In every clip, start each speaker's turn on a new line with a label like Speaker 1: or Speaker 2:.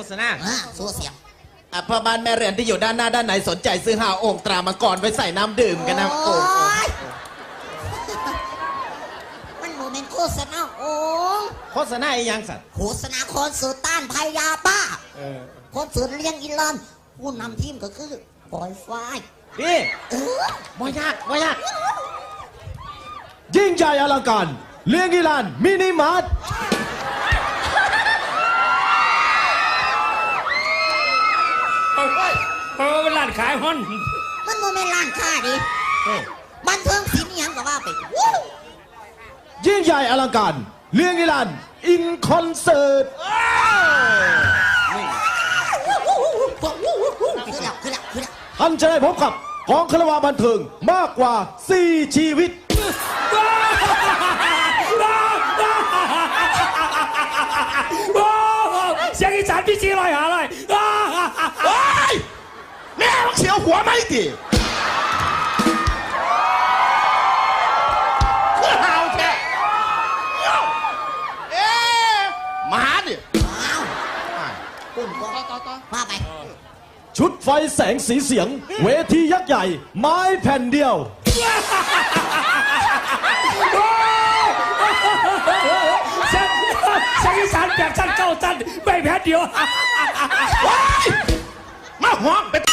Speaker 1: ษณา
Speaker 2: สู้เสียง
Speaker 1: พ่อบ้านแม่เรือนที่อยู่ด้านหน้าด้านไหนสนใจซื้อหาโอ่งตรามังกรไว้ใส่น้ำดื่มกันนะโอ่ง
Speaker 2: มันโมเมนต์โฆษณาโอ้ง
Speaker 1: โฆษณาอีหยังสัตว์
Speaker 2: โฆษณาคอนเสิร์ตต้านภัยยาบ้าคอนเสิร์ตเลี้ยงอินลันผู้นำทีมก็คือปอยไฟ
Speaker 1: นี่บ่ยากบ่ยาก
Speaker 3: ยิ่งใหญ่อลังการเลี้ยงอีลานมินิมาร์ท
Speaker 4: เป็นร้านขายฮอน
Speaker 2: มันโมเมนต์ร้านค้าดิบันเทิงศิลป์อิหยังก็ว่าไปวู้
Speaker 3: ยิ่งใหญ่อลังการเลี้ยงอีลานอินคอนเสิร์ต
Speaker 2: คือแล้ว
Speaker 3: ท่านจะได้พบกับกองคารวาบันเทิงมากกว่า 4 ชีวิต
Speaker 4: เสียงอีสานพี่จีลอยหาเลย
Speaker 1: โอ้ยแม่มึงเสียวหัวไหมดิคือหาวแท้เอ๊ะมาหาดิ
Speaker 2: อ้าวปุ่นก็ว่าไป
Speaker 3: ชุดไฟแสงสีเสียง เวทียักษ์ใหญ่ ไม้แผ่นเดียว
Speaker 4: เสียงอีสานแบบสั้นเก้าสั้นไม่แพ้เดียว
Speaker 1: มาหวงเป็น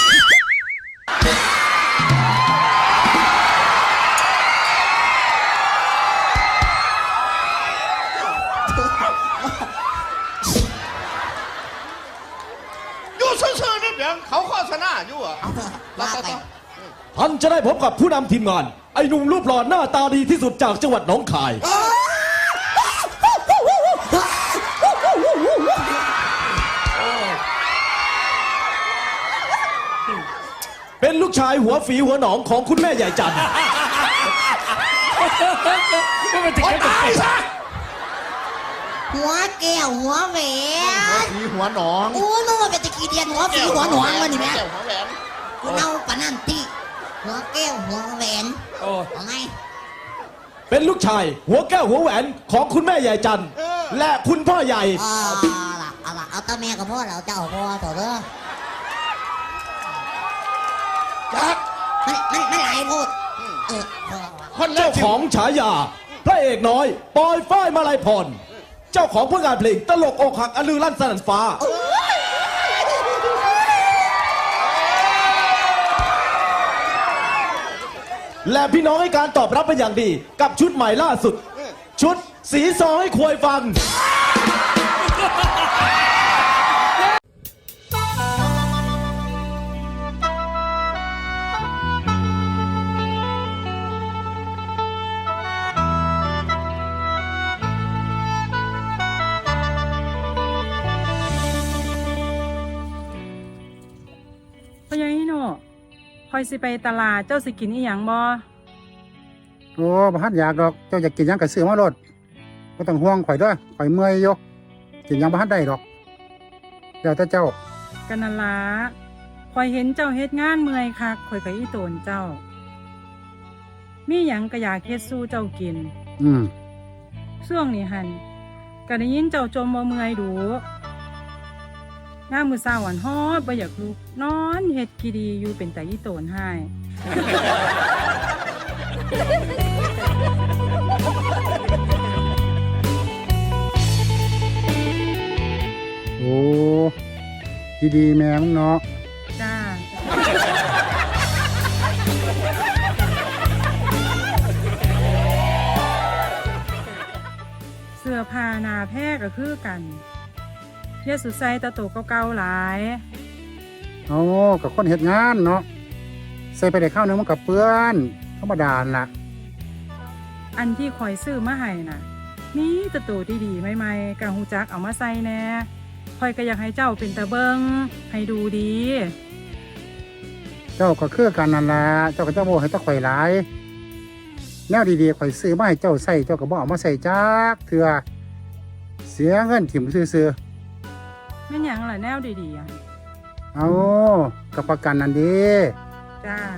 Speaker 1: อยู่ซื่อๆนี่เพียงเขาโฆษณาอยู่อ่ะ
Speaker 2: ว่าไป
Speaker 3: ท่านจะได้พบกับผู้นำทีมงาน ไอ้หนุ่มรูปหล่อหน้าตาดีที่สุดจากจังหวัดหนองคาย เป็นลูกชายหัวฝีหัวหนองของคุณแม่ใหญ่จันทร์
Speaker 4: ไม่เป็นติด
Speaker 1: โอ๊ย
Speaker 4: กัน
Speaker 1: ตายซะ
Speaker 2: หัวแก้วหัวแหวน
Speaker 1: มีหัวหนอง
Speaker 2: โอ้ยมึงว่าเป็นตะกี้เดียนหัวฝีหัวหนวงวะนี่แม่
Speaker 1: แก้วหัวแหวน
Speaker 2: กูเน่าปะนั่นตีหัวแก้วหัวแหวน
Speaker 4: โอ้
Speaker 2: เอาไง
Speaker 3: เป็นลูกชายหัวแก้วหัวแหวนของคุณแม่ใหญ่จันทร์และคุณพ่อใหญ่
Speaker 2: เอาตาแม่กับพ่อเราเจ้าพ่อต่อเด้อ
Speaker 1: จัก
Speaker 2: ไม่ไหลพูดพ่อ
Speaker 1: คนแร
Speaker 3: เจ้าก ของฉายา พระเอกน้อย ปอยฝ้ายมาลัยพร เจ้าของผลงานเพลงตลกอกหักอลือลั่นสนั่นฟ้า และพี่น้องให้การตอบรับเป็นอย่างดี กับชุดใหม่ล่าสุด ชุดสีซอให้ควยฟัง
Speaker 5: พ่อใหญ่ฮิโน่คอยสิไปตลาดเจ้าสิกินอีหยังบ่
Speaker 6: โอ้บ่ทันอยากดอก เจ้าอยากกินหยังก็ซื้อมาโลดบ่ต้องห่วงข่อยเด้อข่อยเมื่อยอยู่กินหยังบ่ทันได้ดอกเดี๋ยวแต่เจ้า
Speaker 5: กันนั่นล่ะคอยเห็นเจ้าเฮ็ดงานเมื่อยคักคอยก็อีโตนเจ้า มีหยังก็อยากเฮ็ดสู้เจ้ากิน
Speaker 6: อืม
Speaker 5: ช่วงนี้หันก็ได้ยินเจ้าจมบ่เมื่อยดูงามมื้อเช้าหวันฮอดบ่อยากลุกนอนเฮ็ดกีดีอยู่เป็นตาอีโตนให้
Speaker 6: โอ้ดีๆแม่มึงเนาะ
Speaker 5: จ้าเสื้อผ้าหนาแพร่ก็คือกันเยสุใส่ตะโตเก่าๆหลาย
Speaker 6: เอากับคนเฮ็ดงานเนาะใส่ไปได้ข้าวนึงมันก็เปื้อนธรรมดาล่ะ
Speaker 5: อันที่คอยซื้อมาให้น่ะมีตะโตดีๆใหม่ๆกะฮูจักเอามาใส่แน่คอยก็อยากให้เจ้าเป็นตะเบิงให้ดูดี
Speaker 6: เจ้าก็คือกันนั่นล่ะเจ้าก็เจ้าบ่ให้ตะข่อยหลายแนวดีๆข่อยซื้อมาให้เจ้าใส่เจ้าก็บ่เอามาใส่จักเทื่อเสียเงินถิ่มซื่อ
Speaker 5: แม่นหยังล่ะแนวดีๆอะ
Speaker 6: ๆเอากับประกันนั่นดี
Speaker 5: จ้า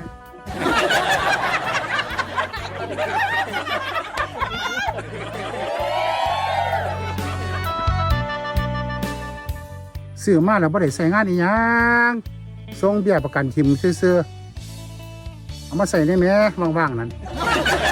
Speaker 6: ซซื้อมาแล้วบ่ได้ใช้งานอีหยังส่งเบี้ยประกันทิมซื่อๆเอามาใส่ได้แหมว่างๆนั่น